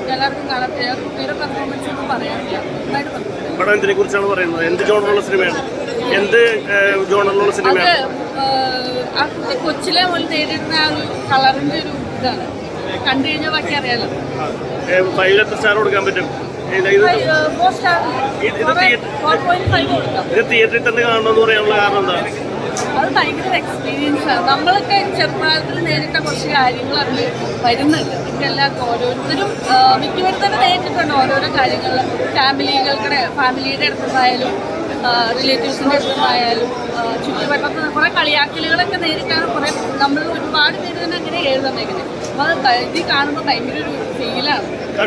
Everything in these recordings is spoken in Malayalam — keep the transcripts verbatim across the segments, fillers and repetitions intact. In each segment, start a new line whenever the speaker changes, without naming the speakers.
എല്ലാവർക്കും കാണാൻ കുട്ടിയുടെ പെർഫോമൻസ് ഒന്നും പറയാനില്ല.
പടം എന്തിനെ കുറിച്ചാണ് പറയുന്നത്? എന്ത് ജോണറുള്ള സിനിമയാണ്? എന്ത് ജോണറിലുള്ള സിനിമയാണ്?
ആ കുട്ടി കൊച്ചിലെ പോലെ നേരിടുന്ന ആ ഒരു കളറിന്റെ ഒരു ഇതാണ് കണ്ടു കഴിഞ്ഞാൽ ബാക്കി അറിയാലോ.
ഫൈവിൽ എത്ര സ്റ്റാർ കൊടുക്കാൻ പറ്റും? ഇത് തിയേറ്ററിൽ തന്നെ കാണണമെന്ന് പറയാനുള്ള കാരണം എന്താണ്?
അത് ഭയങ്കര എക്സ്പീരിയൻസ് ആണ്. നമ്മളൊക്കെ ചെറുപ്രായത്തിൽ നേരിട്ട കുറച്ച് കാര്യങ്ങൾ അതിൽ വരുന്നുണ്ട്. എല്ലാവർക്കും ഓരോരുത്തരും മിക്കവരും തന്നെ നേരിട്ടിട്ടുണ്ട് ഓരോരോ കാര്യങ്ങൾ. ഫാമിലികൾക്കിടെ ഫാമിലിയുടെ അടുത്തുനിന്നായാലും റിലേറ്റീവ്സിൻ്റെ അടുത്തുനിന്നായാലും ചുറ്റുവട്ടത്ത് കുറേ കളിയാക്കലുകളൊക്കെ നേരിട്ടാണ് കുറേ നമ്മൾ ഒരുപാട് പേര് തന്നെ അങ്ങനെ എഴുതുന്നത്. അപ്പോൾ അത് ഇത് കാണുമ്പോൾ ഭയങ്കര ഒരു ഫീലാണ്.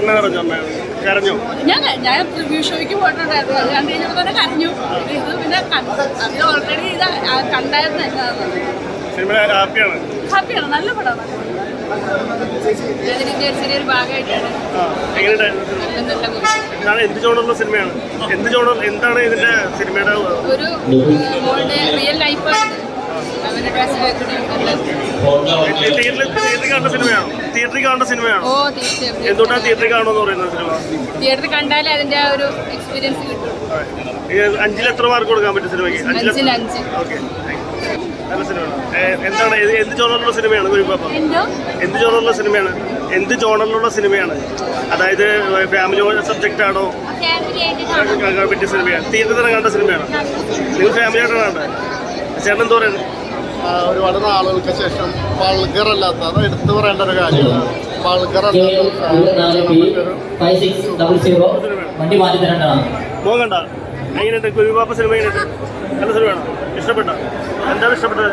ഞാൻ ഞാൻ റിവ്യൂ ഷോയ്ക്ക് പോയിട്ടുണ്ടായിരുന്നു. അത് കണ്ടു കഴിഞ്ഞപ്പോൾ തന്നെ കരഞ്ഞു. ഇത് പിന്നെ അത് ഓൾറെഡി ഇത് കണ്ടായിരുന്നു.
ഹാപ്പിയാണ്.
ഹാപ്പിയാണ്. നല്ല പടമാണ്. അതിന്റെ ചെറിയൊരു ഭാഗമായിട്ടാണ്.
എന്ത് ജോണറുള്ള സിനിമയാണ്? എന്ത് ജോണർ എന്താണ് ഇതിന്റെ സിനിമയുടെ
ഒരു മോളുടെ റിയൽ ലൈഫാണ്.
തിയേറ്ററിൽ കാണുന്ന സിനിമയാണോ? തിയേറ്ററിൽ കാണുന്ന സിനിമയാണോ?
ഓ തീർച്ചയായും.
എന്തുകൊണ്ടാണ് തിയേറ്ററിൽ കാണുമെന്ന് പറയുന്നത് സിനിമ?
തിയേറ്ററിൽ കണ്ടാലേ അതിന്റെ ആ ഒരു എക്സ്പീരിയൻസ് കിട്ടും.
അഞ്ചിൽ എത്ര മാർക്ക് കൊടുക്കാൻ പറ്റും സിനിമയ്ക്ക്?
അഞ്ചിൽ അഞ്ച്.
ഓക്കെ, നല്ല സിനിമയാണ്. എന്താണ് എന്ത് ജോണറിലുള്ള സിനിമയാണ് ഗുരുപാപ്പ? എന്ത് ജോണറിലുള്ള സിനിമയാണ്? എന്ത് ജോണറിലുള്ള സിനിമയാണ്? അതായത് ഫാമിലി സബ്ജക്റ്റ് ആണോ പറ്റിയ സിനിമയാണ്? തിയേറ്ററിൽ തന്നെ കണ്ട സിനിമയാണ്? നിങ്ങൾ ഫാമിലി ആയിട്ടാണ് കണ്ടത്? ചേട്ടൻ എന്താ പറയുന്നത്?
ഒരുപാട് നാളുകൾക്ക് ശേഷം വൾഗർ അല്ലാത്ത അത് എടുത്തു പറയേണ്ട ഒരു കാര്യമാണ്. വൾഗർ
മോൻ കണ്ട എങ്ങനെയുണ്ട് ഗുരുപാപ്പ സിനിമ? എങ്ങനെയുണ്ട്? നല്ല സിനിമയാണോ? ഇഷ്ടപ്പെട്ട? എന്താണ് ഇഷ്ടപ്പെട്ടത്?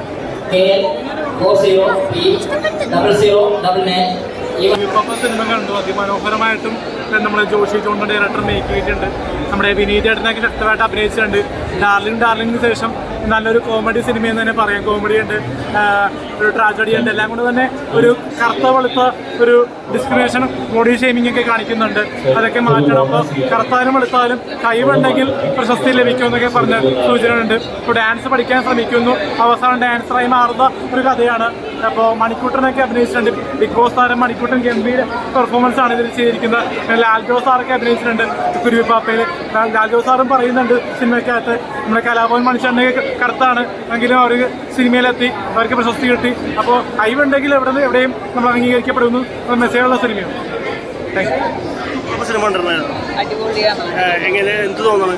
ഗുരുപാപ്പ സിനിമ കണ്ടു. അതിമനോഹരമായിട്ടും നമ്മുടെ ജോഷി ജോണിന്റെ ഡയറക്ടർ മേക്ക് ചെയ്തിട്ടുണ്ട്. നമ്മുടെ വിനീത് ചേട്ടനൊക്കെ ശക്തമായിട്ട് അഭിനയിച്ചിട്ടുണ്ട്. ഡാർലിംഗ് ഡാർലിംഗിന് ശേഷം നല്ലൊരു കോമഡി സിനിമയെന്ന് തന്നെ പറയാം. കോമഡി ഉണ്ട്, ഒരു ട്രാജഡി ഉണ്ട്. എല്ലാം കൊണ്ട് തന്നെ ഒരു കറുത്ത വെളുത്ത ഒരു ഡിസ്ക്രിമിനേഷൻ, ബോഡി ഷെയ്മിംഗ് ഒക്കെ കാണിക്കുന്നുണ്ട്. അതൊക്കെ മാറ്റണം. അപ്പോൾ കറുത്താലും വെളുത്താലും കഴിവുണ്ടെങ്കിൽ പ്രശസ്തി ലഭിക്കുമെന്നൊക്കെ പറഞ്ഞ സൂചനയുണ്ട്. ഇപ്പോൾ ഡാൻസ് പഠിക്കാൻ ശ്രമിക്കുന്നു, അവസാനം ഡാൻസറായി മാറുന്ന ഒരു കഥയാണ്. അപ്പോൾ മണിക്കൂട്ടനൊക്കെ അഭിനയിച്ചിട്ടുണ്ട്. ബിഗ് ബോസ് താരം മണിക്കൂട്ടൻ ഗംഭീര പെർഫോമൻസ് ആണ് ഇതിൽ ചെയ്തിരിക്കുന്നത്. ലാൽജോ സാറൊക്കെ അഭിനയിച്ചിട്ടുണ്ട് കുരുവിപ്പാപ്പയിൽ. ലാൽജോ സാറും പറയുന്നുണ്ട് സിനിമയ്ക്കകത്ത് നമ്മുടെ കലാഭവൻ മണിച്ചേട്ടനൊക്കെ കറുത്താണ് എങ്കിലും അവർ സിനിമയിലെത്തി, അവർക്ക് പ്രശസ്തി കിട്ടി. അപ്പോൾ കഴിവുണ്ടെങ്കിൽ എവിടെ നിന്ന് എവിടെയും നമ്മൾ അംഗീകരിക്കപ്പെടുന്നു മെസ്സേജുള്ള സിനിമയാണ്. Thank you.
സിനിമ എങ്ങനെ എന്ത് തോന്നുന്നു?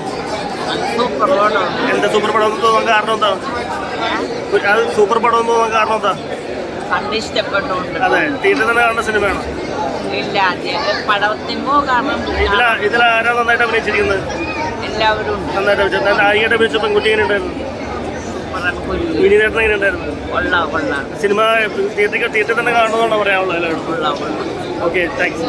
എന്താ സൂപ്പർ പടം തോന്നാൻ കാരണം എന്താ? അത് സൂപ്പർ പടം എന്ന് തോന്നാൻ കാരണം എന്താ? അതെ, തിയേറ്ററിൽ തന്നെ കാണുന്ന സിനിമയാണോ? ഇതിലാ ഇതിലാരാ നന്നായിട്ട് അഭിനയിച്ചിരിക്കുന്നത്?
എല്ലാവരും
നന്നായിട്ട് അഭിനയിച്ചത്. നായികയുടെ അഭിനയിച്ച പെൺകുട്ടി എങ്ങനെ ഉണ്ടായിരുന്നു? വിനീതേട്ടൻ എങ്ങനെ ഉണ്ടായിരുന്നു? സിനിമ തിയേറ്ററിൽ തിയേറ്ററിൽ തന്നെ കാണുന്നതാണോ പറയാനുള്ളത് എല്ലാവരും? Okay, thanks.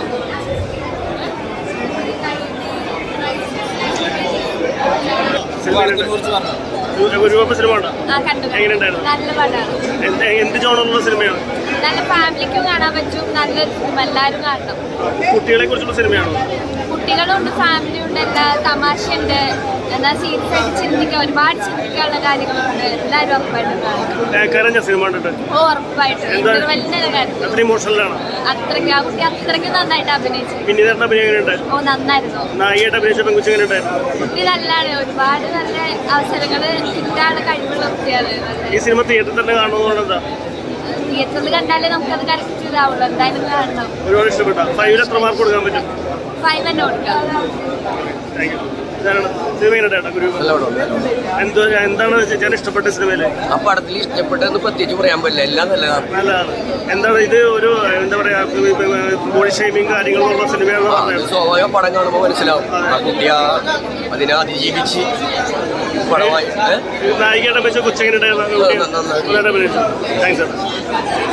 ഗുരുവാപ്പ സിനിമ ഉണ്ടോ? എങ്ങനെ ഉണ്ടായിരുന്നു? എന്ത് ജോണറുള്ള സിനിമയാണ്?
നല്ല ഫാമിലിക്കും കാണാൻ പറ്റും. നല്ലൊരു സിനിമ, എല്ലാവരും കാണണം.
കുട്ടികളെ കുറിച്ചുള്ള സിനിമയാണോ?
കുട്ടികളുണ്ട്, ഫാമിലി ഉണ്ട്, എല്ലാ തമാശയുണ്ട്. എന്നാൽ സീരിയസ് ആയിട്ട് ചിന്തിക്കാൻ ഒരുപാട് ചിന്തിക്കാനുള്ള കാര്യങ്ങളുണ്ട്. എല്ലാവരും ഉറപ്പായിട്ടും കാണണം.
കരഞ്ഞ സിനിമ കണ്ടിട്ട്?
ഓ ഉറപ്പായിട്ടും. ഇന്റർവെല്ലിന്റെ കാര്യം
അത്ര ഇമോഷണലാണ്.
അത്രയ്ക്ക് ആ കുട്ടി അത്രയ്ക്ക് നന്നായിട്ട് അഭിനയിച്ചു.
വിനീതേട്ടൻ അഭിനയം എങ്ങനെയുണ്ട്?
ഓ നന്നായിരുന്നു.
നായികയുടെ അഭിനയിച്ച പെൺകുട്ടി എങ്ങനെയുണ്ടായിരുന്നു?
കുട്ടി നല്ലതാണ്. ഒരുപാട് നല്ല അവസരങ്ങൾ കിട്ടാനുള്ള കഴിവുള്ള കുട്ടിയാണ്.
ഈ സിനിമ തിയേറ്ററിൽ തന്നെ കാണുന്നതുകൊണ്ട് എന്താ?
തിയേറ്ററിൽ കണ്ടാലേ നമുക്കത് കറക്റ്റ് ഇതാവുള്ളൂ. എന്തായാലും കാണണം.
ഒരുപാട് ഇഷ്ടപ്പെട്ട. ഫൈവിൽ എത്ര മാർക്ക് കൊടുക്കാൻ പറ്റും?
ഫൈവ് തന്നെ കൊടുക്കാം.
Thank you. സിനിമ എന്തോ എന്താണ് ചേച്ചി ഇഷ്ടപ്പെട്ട സിനിമയില്?
ആ പടത്തിൽ ഇഷ്ടപ്പെട്ടതെന്ന് പ്രത്യേകിച്ച് പറയാൻ പറ്റില്ല, എല്ലാം നല്ലതാണ്.
നല്ലതാണ്. എന്താണ് ഇത് ഒരു എന്താ പറയാ ബോഡി ഷേമിങ് കാര്യങ്ങളുള്ള സിനിമയാണ്?
സ്വാഭാവിക പടം കാണുമ്പോൾ മനസ്സിലാവും ആ കുട്ടി അതിനെ അതിജീവിച്ച് പടമായി.
നായികയുടെ അപേക്ഷ കൊച്ചെങ്ങനെ ഉണ്ടായിരുന്നു? താങ്ക്സ്.